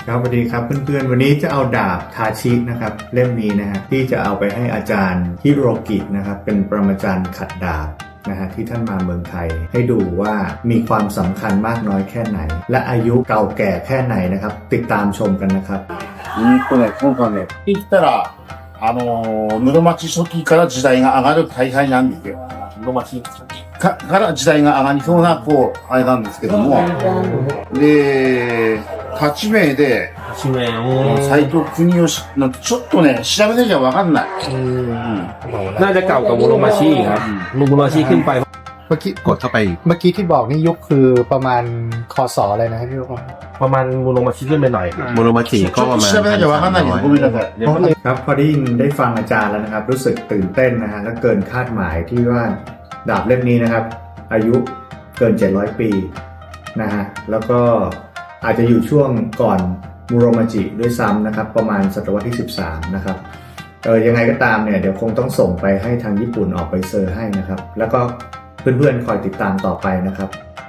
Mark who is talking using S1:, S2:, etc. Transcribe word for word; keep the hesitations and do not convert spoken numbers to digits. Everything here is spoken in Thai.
S1: ครับสวัสดีครับเพื่อนๆวันนี้จะเอาดาบทาชินะครับเล่มนี้นะฮะที่จะเอาไปให้อาจารย์ฮิโรกินะครับเป็นปรมาจารย์ขัดดาบนะฮะที่ท่านมาเมืองไทยให้ดูว่ามีความสำคัญมากน้อยแค่ไหนและอายุเก่าแก่แค่ไหนนะครับติดตามชมกันนะครับ
S2: うんとね、今回ね、言ったら、あのー、室町初期から時代が上がる大敗なんですよ。室町かから時代が上がりそうな、こう、あれなんですけども。で、立ち名で、
S3: 地名を
S2: 斎藤国義なんてちょっとね、調べなきゃわかんない。
S3: น่าจะเก่ากับมูโรมาชิครับมูโรมาชิขึ้นไป
S4: เมื่อกี้
S5: กดเข้าไปอีก
S4: เมื่อกี้ที่บอกนี่ยุคคือประมาณคศอะไรนะครับพี่ลูก
S3: ประมาณมูโรมาชิขึ้นไปหน่อยครับ
S5: โมโนมาชิ
S2: ち
S5: ก็
S2: ょ
S5: ประ
S2: っと
S5: มาณ
S2: 調べなきゃわかんないけど、ごめんなさい。
S1: ครับพอได้ยินได้ฟังอาจารย์แล้วนะครับรู้สึกตื่นเต้นนะฮะและเกินคาดหมายที่ว่าดาบเล่มนี้นะครับอายุเกินเจ็ดร้อยปีนะฮะแล้วก็อาจจะอยู่ช่วงก่อนมูโรมาจิด้วยซ้ำนะครับประมาณศตวรรษที่สิบสามนะครับเออยังไงก็ตามเนี่ยเดี๋ยวคงต้องส่งไปให้ทางญี่ปุ่นออกไปเซอร์ให้นะครับแล้วก็เพื่อนๆคอยติดตามต่อไปนะครับ